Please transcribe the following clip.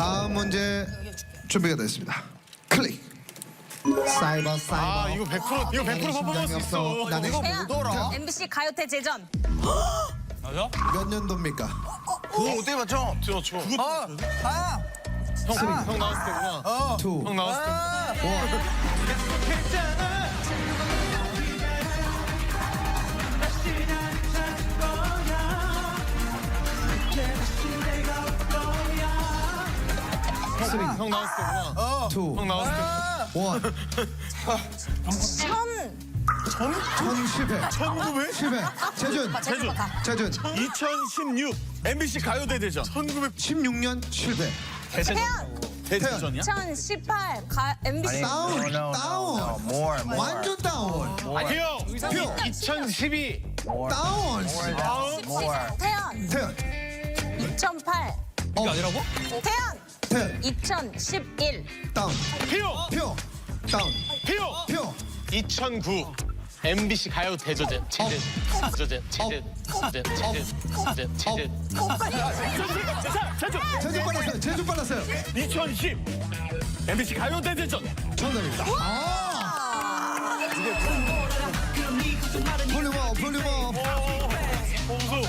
다음 문제 준비가 됐습니다. 클릭. 사이버. 아 이거 100% 퍼포먼스 있어. 나는 태연, 뭐더라? MBC 가요대 제전. 맞아? 몇 년도입니까? 그거 어떻게 맞춰? 저. 형 나왔을 때구나. 2, 형 나왔을 때. 3, 형 나왔을 때구나. 2, 형 나왔을 때. 1. 1010회. 1900? 10회. 재준. 2016 MBC 가요대 대전. 16년 7회. 태연, 대대전이야? 2018 MBC. 다운. 완전 다운. 형 2012. 다운. 태연, 태연. 2008 이게 아니라고? 태연, 10. 2011 다운. 피오. 표. 다운. 피오. 표. 2009 MBC 가요 대저제 체제 제주 빨랐어요. 2010 MBC 가요대 대전. 정답입니다. 볼륨업. 봉수